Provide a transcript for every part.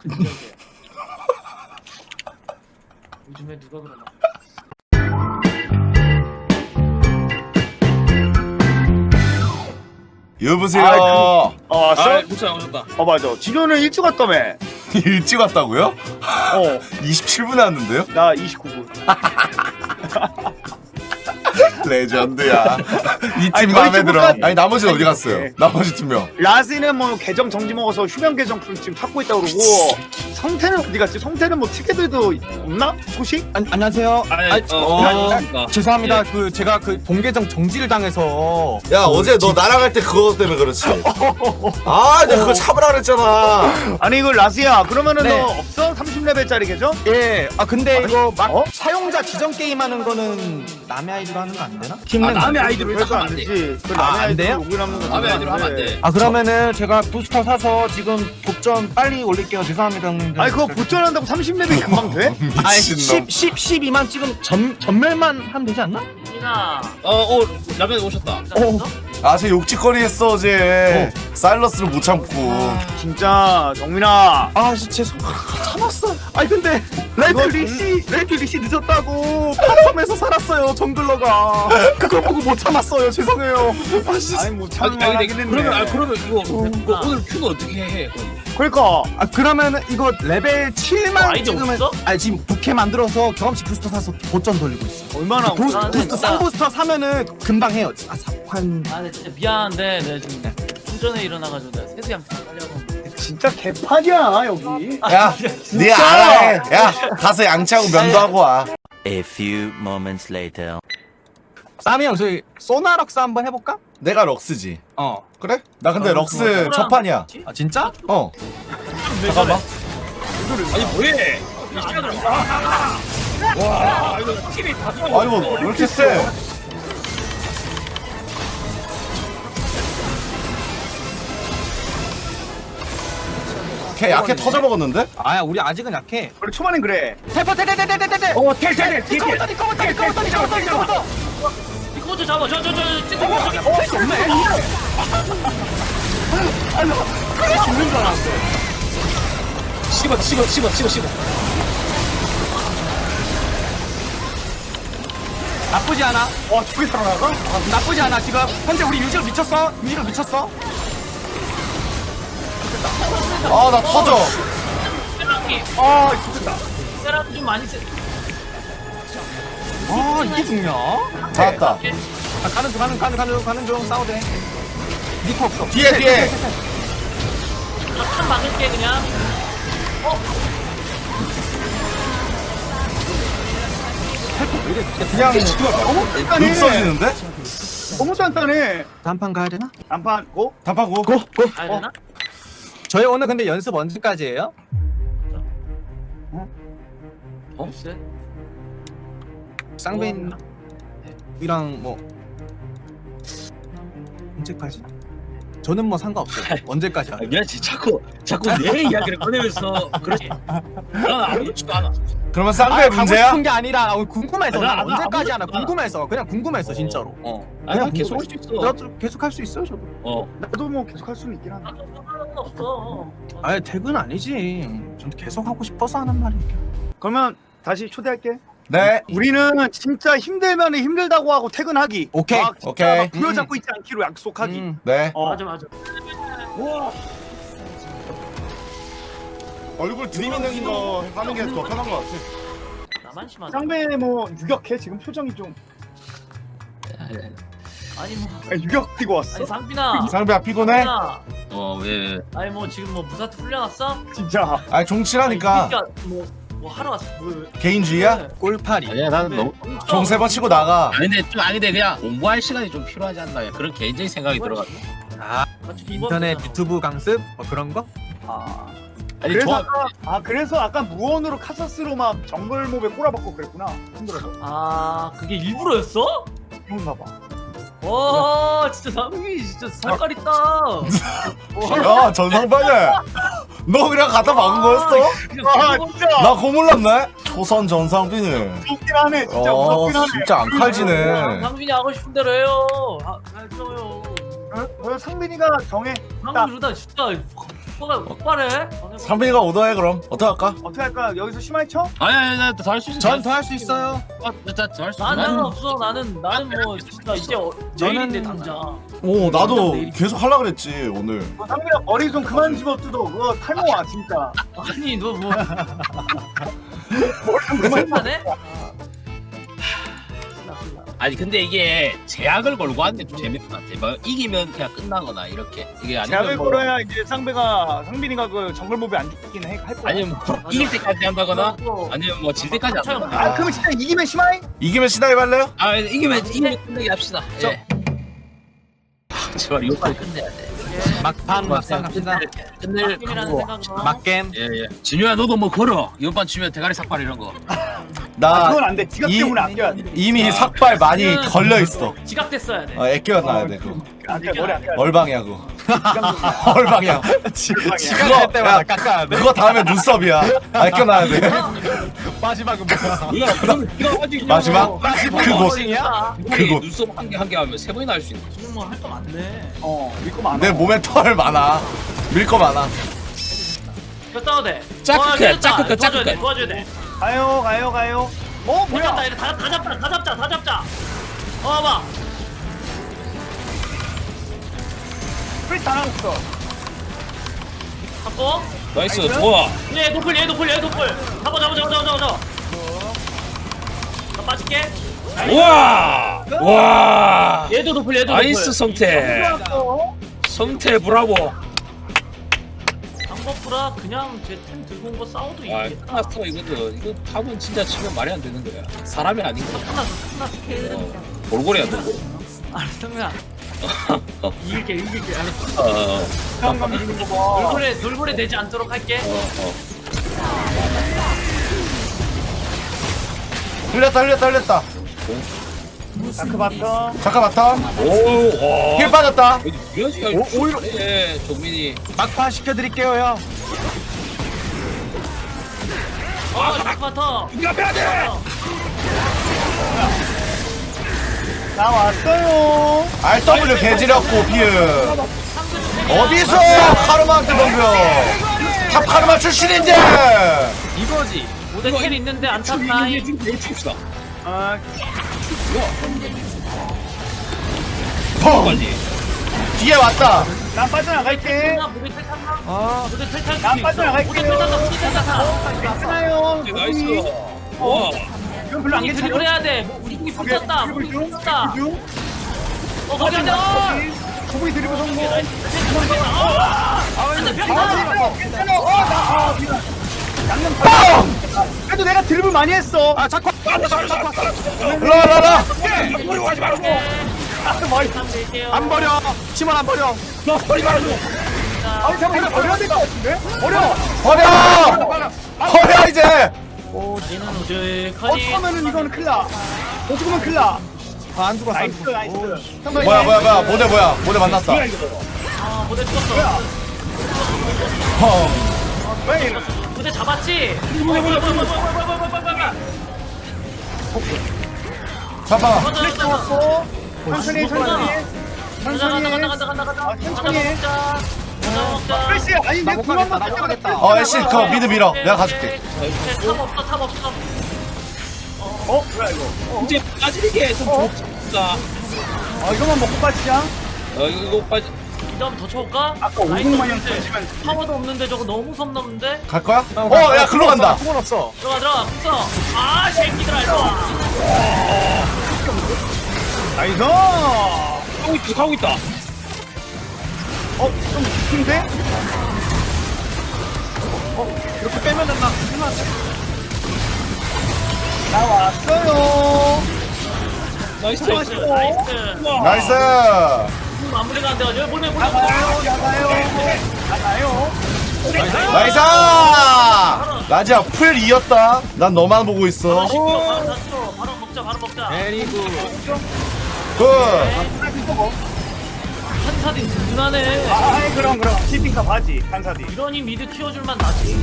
요즘에 누가 그러나? 여보세요. 목소리 오셨다. 맞아. 진호는 일찍 왔다며. 일찍 왔다고요? 27분에 왔는데요? 나 29분. 레전드야. 이 아니, 팀 거의 마음에 들어. 친구까지. 아니 나머지는 어디 갔어요? 네. 나머지 2명. 라스는 뭐 계정 정지 먹어서 휴면 계정 지금 찾고 있다고 그러고 성태는 어디 갔지? 성태는 뭐 티켓들도 없나? 소식? 안녕하세요. 죄송합니다. 그 제가 그 본계정 정지를 당해서 야 어제 너 나랑 할 때 그거 때문에 그렇지. 아 내가 그거 참으라 그랬잖아. 아니 이거 라스야 그러면은 네. 너 없어? 30레벨짜리 계정? 예. 근데 이거 막 어? 사용자 지정 게임 하는 거는 남의 아이디로 하는 거 안 되나? 남의 아이디로 그래서 하면 안 안 돼. 되지. 그 아, 남의 안 돼요? 아이디로 로그인하는 거 남의 아이디로 하면 안 돼. 아 그러면은 제가 부스터 사서 지금 독점 빨리 올릴게요. 죄송합니다. 형님들. 아니 그거 보전한다고 30레벨 금방 돼? 아니 미친놈. 12만 지금 전멸만 하면 되지 않나? 민아. 라면 오셨다. 아저 욕짓거리 했어 어제. 사일러스를 못 참고. 진짜 정민아 아 죄송. 참았어. 아니 근데 레드리시 늦었다고 팝컴에서 살았어요 정글러가. 그걸 보고 못 참았어요. 죄송해요. 아 진짜. 아니 뭐 참만 하긴 했네. 그러면 이거 오늘 큐는 어떻게 해? 그러니까 아 그러면은 이거 레벨 7만 아이디 찍으면 없어? 아니 지금 부캐 만들어서 경험치 부스터 사서 보전 돌리고 있어. 얼마나 나는 부스터 진짜- 쌍부스터 사면은 금방 해요. 한 아, 근데 진짜 미안한데 내가 지금 좀 전에 일어나가지고 내가 세수양 하려고. 진짜 개판이야 여기. 야, 네 알아 해. 야, 가서 양치하고 면도하고 와. A few moments later. 쌈이 형 저희 소나럭스 한번 해볼까? 내가 럭스지. 어. 그래? 나 근데 럭스 첫 판이야. 아 진짜? 어. 잠깐만. 아니 뭐해? 와 이거 팀이 다 좋아. 아니 뭐 왜 이렇게 세? 걔 약해 터져 먹었는데? 아야 우리 아직은 약해. 원래 초반엔 그래. 테퍼 테테테테테테. 텔. 이거부터 이거부터. 이거 좀 잡아. 저 찍고. 없네. 씹어. 나쁘지 않아. 와 저기 살아나가? 나쁘지 않아 지금. 현재 우리 유지로 미쳤어. 아 나 터져. 아 죽겠다. 사람 좀 많이 쓰. 아 이게 중요해. 잡았다. 아, 가는 중 싸우대. 니코 없어. 뒤에. 나탄 막을게 그냥. 그냥 단단해. 룩 써지는데? 너무 단단해. 단판 가야 되나? 단판 고? 단판 고. 가야 되나? 저희 오늘 근데 연습 언제까지예요? 글쎄. 쌍배님이랑 뭐 언제까지? 저는 뭐 상관없어요. 언제까지? 미안지 자꾸 내 이야기를 꺼내면서 그렇지. 난 아무렇지도 않아. 그러면 쌍배 가고 문제야? 싶은 게 아니라 궁금해서 나 난 언제까지 하나 아무것도 궁금해서 그냥 궁금해서 진짜로. 아니 난 계속 할 수 있어. 나도 계속 할 수 있어요 저도. 나도 뭐 계속 할 수는 있긴 한데. 상관은 없어. 아니 퇴근 아니지. 전 계속 하고 싶어서 하는 말이니까. 그러면 다시 초대할게. 네. 우리는 진짜 힘들면 힘들다고 하고 퇴근하기. 오케이. 막 진짜 오케이. 막 부여잡고 있지 않기로 약속하기. 네. 맞아. 얼굴 들이미는 거 하는 게 더 편한 것 같아. 나만 심하다. 쌍배 뭐 유격해 지금 표정이 좀 아니 뭐. 유격 뛰고 왔어. 아니 상빈아. 쌍배야 피곤해? 상빈아. 왜? 아니 뭐 지금 뭐 무사트 훈련왔어? 진짜. 아니 종칠하니까 뭐 하러 왔어? 개인주의야? 꼴파리. 아니야 나는 너무. 종 3번 치고 나가. 아닌데 그냥 공부할 시간이 좀 필요하지 않나 그런 개인적인 생각이 들어가. 아 인터넷 유튜브 강습 뭐 그런 거? 아. 아니 그래서 좋아. 그래서 아까 무언으로 카사스로 막 정글 몹에 꼬라박고 그랬구나. 힘들어서. 아 그게 일부러였어? 그런가 봐. 와 진짜 상빈이 진짜 살깔 있다. 야 전상반이야. 너 그냥 갖다 박은 거였어? 아 진짜. 나 고물났네. 초선 전상빈이. 무섭긴 하네. 진짜 무섭긴 하네. 진짜 안 칼지네. 상빈이 하고 싶은 대로 해요. 해줘요. 상빈이가 정해. 상빈이 그러다 진짜 속도가 폭발해. 상빈이가 오더해 그럼 어떡할까? 어떻게 할까? 여기서 심하게 쳐? 아니 나더할 수 있어. 전 더 할 수 있어요. 더할 수 있어. 나는 없어. 나는 뭐 진짜 이제 내일인데 당장. 오 나도 계속 하려 그랬지 오늘. 상민아 머리 좀 그만 집어뜯어. 그거 탈모야 진짜. 아니 너 뭐 머리 좀 그만 집어. 생각해? 아니 근데 이게 제약을 걸고 하는 게 좀 재밌는 것 같아. 뭐 이기면 그냥 끝나거나 이렇게. 이게 제약을 아니면 뭐 걸어야 이제 상빈이가 그 정글몹이 안 죽긴 할 거야. 아니면 뭐 이길 때까지 한다거나 또 아니면 뭐 질 때까지 한다거나. 아 그러면 진짜 이기면 심하이? 이기면 시나이 할래요? 아 이기면 끝내기 합시다. 예. 제발 이거 빨리 끝내야 돼. 막판 막상 갑시다. 끝낼 팀이라는 각오. 생각으로. 막겜. 예예. 진우야 너도 뭐 걸어. 이번 판 치면 대가리 삭발 이런 거. 나 그건 안 돼. 지갑 이- 때문에 아껴야 돼. 이미 삭발 많이 걸려 있어. 지각됐어야 돼. 애껴놔야 돼 그거. 아껴 머리 아껴야 돼. 얼방이야 그거. 얼방이야. 지각할 때마다 깎아야 돼. 그거 다음에 눈썹이야. 애껴놔야 돼. 마지막은 뭐야? 뭐야? 그러면 네가 가지고 마지막 그곳 야 그곳. 눈썹 한 개 하면 세 번이나 할 수 있는. 지금 뭐 할 거 많네. 믿고 많아. 내 몸에 털 많아. 밀 거 많아. 이거 싸워도 돼. 짜크해, 짜크해, 도와줘야 돼. 짜크해. 도와줘야 돼. 가요. 다 뭐야? 잡자. 이래 다 잡자. 봐봐. 프리스 다 나왔어. 잡고. 나이스 좋아. 얘 노플. 잡아. 나 빠질게. 우와 와 얘도 노플. 나이스 성태 성태 브라보. 방법보다 그냥 제 템 들고 온 거 싸워도 아 이기겠다. 끝났어 이거는. 이거 탑은 진짜 치면 말이 안 되는 거야. 사람이 아닌 거야. 끝났어. 골고리야 골고리. 알았어, 성민아. 이길게. 알았어. 상감 주는 거 봐. 돌고래 되지 않도록 할게. 흘렸다. 다크 바텀. 잠깐 바텀. 오와 힐 빠졌다. 오히려 예 종민이. 막판 시켜드릴게요 형. 다크바터. 이거 빼야 돼. 나왔어요. RW 개지렸고 비읍. 어디서 카르마한테 덤벼. 탑 카르마 출신인데. 이거지. 모델 텔 있는데 안 탔다. 이거 칩시다. 아, 펑. 빨리. 뒤에 왔다. 난 빠져나갈게. 모델 텔 탔나? 모델 텔 탈 난 수 있어. 빠져나갈게요. 모델 텔 탔다. 괜찮아요. 나이스. 와. 이건 별로 안 이게 괜찮아. 드리블 해야 돼. 우리 공이 붙었다. 드리블 중. 붙었다. 드리블 중. 거기 앉아. 거북이 드리블 성공. 안돼 병 괜찮아. 미안. 양념 다. 그래도 내가 드리블 많이 했어. 아 자꾸 라라라. 머리 하지 말고. 안 버려. 침원 안 버려. 너 머리 말아줘. 아니 잠깐만 버려야 될 것 같은데? 버려. 버려 이제. 얘는 오죽하니. 어쩌면은 이거는 큰일 나. 못 죽으면 큰일 나. 안 죽었어. 나이스. 뭐야 모델 만났다. 아 모델 죽었어. 왜 이래? 모델 잡았지. 잠깐만. 잡았어. 천천히. 간다. 천천히 해. 먹자. 프레시 아니 내 못 궁한 가겠다, 번 못 가겠다. 애쉬 그거 미드 밀어. 내가 가줄게. 탑 없어. 뭐야 이거? 이제 빠지게 좀 좋다. 이거만 먹고 빠지자. 이거 빠지. 이점 더 쳐올까? 아까 5분만이랑 던지면 파워도 없는데 저거 너무 섬 넘는데? 갈 거야? 야 글로 간다. 풍은 없어. 들어가 붙어. 아 새끼들아 일로 와. 나이스. 하고 있다. 좀 깊은데? 이렇게 빼면 된다. 나왔어요. 나이스. 나이스. 마무리가 안 돼가지고 보내. 나가요. 나이스. 라지야 풀 이었다. 난 너만 보고 있어. 바로 먹자. 베리굿. 굿. 한사딘 든든하네. 그럼 티핑카 바지 간사디. 이러니 미드 키워줄만 나지.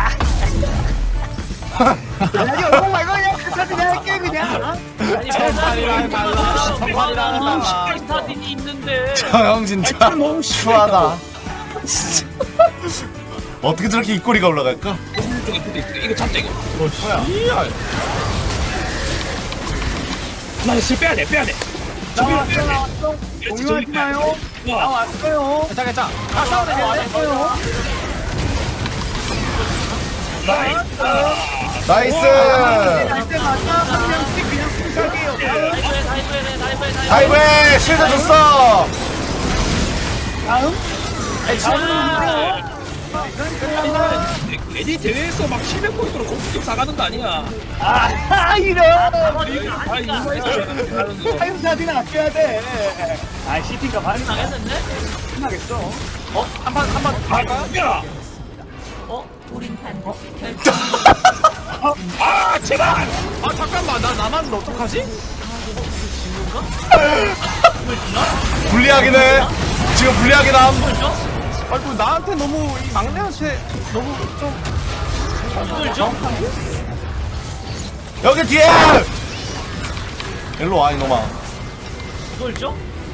아니 얼굴 말고 그냥 간사디 내가 할게 그냥. 아니 정판이랑 달라. 정판이랑 달라. 스타딘이 있는데. 저 형 진짜 추하다. 어떻게 저렇게 입꼬리가 올라갈까? 쪽에 붙어 있어. 이거 잡자 이거. 나 실 빼야 돼. 공유하시나요? 나왔어요. 괜찮아. 아 싸워도 나이스. 할 때마다 한 명씩 그냥 푸시하게요. 다이브에 실드 줬어. 애니 대회에서 막 700포인트로 공수팀 사가는 거 아니야? 이런. 아 이거 타임사진 아껴야 돼. 아 CP가 많이 당했는데? 나겠어. 야! 우린 반드시 결정. 아 제발! 아 잠깐만 나 남았는데 어떡하지? 불리하긴 해. 지금 불리하긴 함. 아이고 나한테 너무 이 막내한테 너무 좀 여기 뒤에. 일로 와 이놈아. 이걸 줘?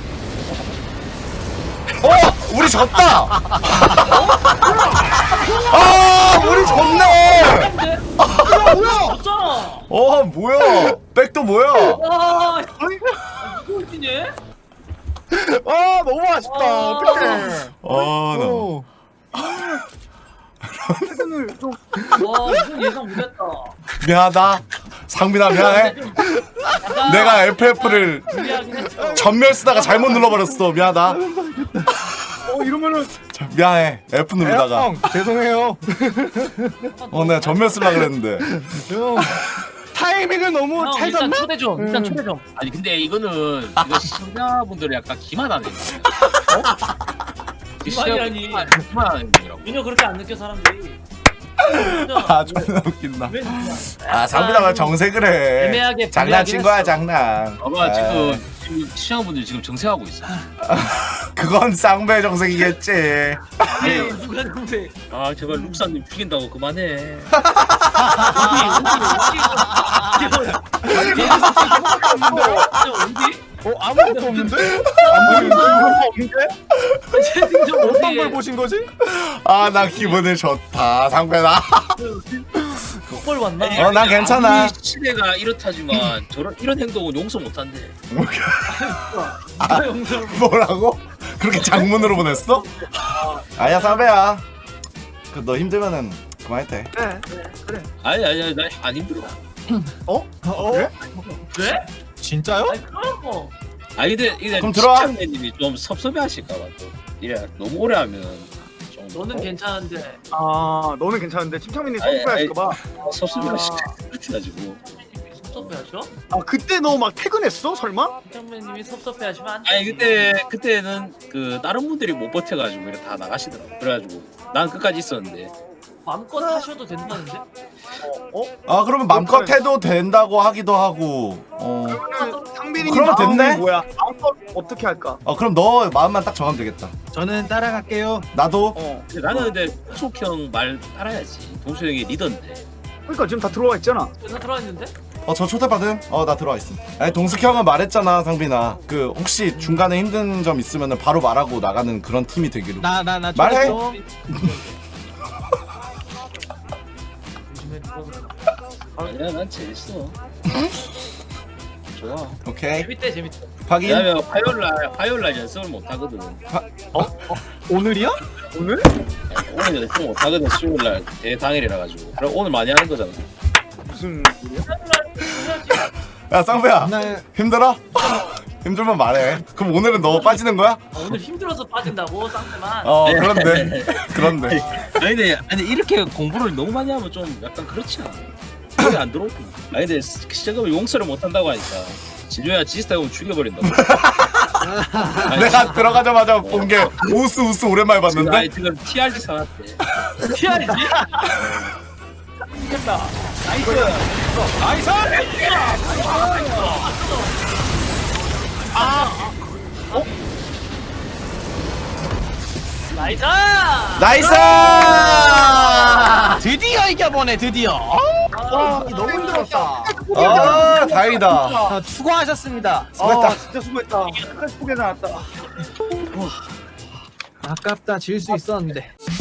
우리 졌다. 아 우리 졌네. 졌잖아. 뭐야? 백도 뭐야? 와, 이걸 지네? 아 너무 아쉽다. 어떡해. 나. 최근을 좀 와, 이건 예상 못했다. 미안하다. 상민아 미안해. 약간 내가 FF를 불리하긴 했어. 전멸 쓰다가 잘못 눌러버렸어. 미안하다. 이러면은 미안해. F 누르다가. 형 죄송해요. 내가 전멸 쓰려고 그랬는데. 형 타이밍을 너무 형, 잘 일단 잡나? 초대 좀. 일단 초대 좀. 아니 근데 이거 시청자분들이 약간 기만하네. 기만이라니. 기만하는 거라고. 전혀 그렇게 안 느껴 사람들이. 아 존나 웃긴다. 왜 그냥. 아 상민아가 정색을 해. 애매하게 장난친 불리하긴 거야 했어. 장난. 봐봐 아, 지금 시청자분들 지금 정색하고 있어. 그건 쌍배 정색이겠지. 아니, 누가 동생. 아 제발 룩사님 죽인다고 그만해. 어디? 아무것도 없는데? 채팅 좀 어떤 어디? 걸 보신 거지? 아 나 기분이 좋다 상배나. 그걸 왔나? 난 괜찮아. 우리 시대가 이렇다지만 이런 행동은 용서 못한대. 누가 영상 뭐라고? 그렇게 장문으로 보냈어? 아야 상배야. 너 힘들면은 그만해도 돼. 아니 나 안 힘들어. 그래? 왜? 진짜요? 아니 그런 거. 아니 근데 그럼 들어와. 시청자님이 좀 섭섭해하실까봐 또 이래 너무 오래 하면 좀 너는 괜찮은데. 너는 괜찮은데 침착민이 아니, 섭섭해할까봐. 섭섭해하시고. 섭섭해하셔? 그때 너 막 퇴근했어 설마? 형님이 섭섭해하시면 안 돼. 아니 그때는 그 다른 분들이 못 버텨가지고 이렇게 다 나가시더라고. 그래가지고 난 끝까지 있었는데. 마음껏 하셔도 된다는데? 아 그러면 맘껏 해도 된다고 하기도 하고. 상빈이 그러면 됐네? 뭐야? 마음껏 어떻게 할까? 그럼 너 마음만 딱 정하면 되겠다. 저는 따라갈게요. 나도. 근데 나는 근데 동숙형 말 따라야지. 동숙 형이 리더인데. 그러니까 지금 다 들어와 있잖아. 나 들어왔는데? 저 초대받음? 나 들어와 있음. 아니 동숙 형은 말했잖아 상빈아. 그 혹시 중간에 힘든 점 있으면은 바로 말하고 나가는 그런 팀이 되기로. 나 말해. 아니야 난 재밌어. 좋아. 오케이. 재밌대. 확인. 왜냐면 화요일날 연습을 못 하거든. 오늘이야? 오늘? 오늘 연습 못 하거든. 수요일날 대당일이라 가지고. 그럼 오늘 많이 하는 거잖아. 무슨 일이야? 야 쌍배야 날 힘들어? 힘들면 말해. 그럼 오늘은 너 빠지는 거야? 오늘 힘들어서 빠진다고 쌍대만. 그런데. 아니 이렇게 공부를 너무 많이 하면 좀 약간 그렇지 않아? 거기 안 들어오고. 아니 근데 시작하면 용서를 못 한다고 하니까. 진조야 지스타 형 죽여버린다고. 내가 들어가자마자 본 게 우스 오랜만에 봤는데. 아니 지금 TRG 사놨대. 피하지? 이겼다. 나이스. 나이스! 나이스! 드디어 이겨보네 드디어. 너무 힘들었다. 다행이다. 수고하셨습니다. 진짜 수고했다. 끝까지 포기 나왔다. 아깝다 질 수 있었는데.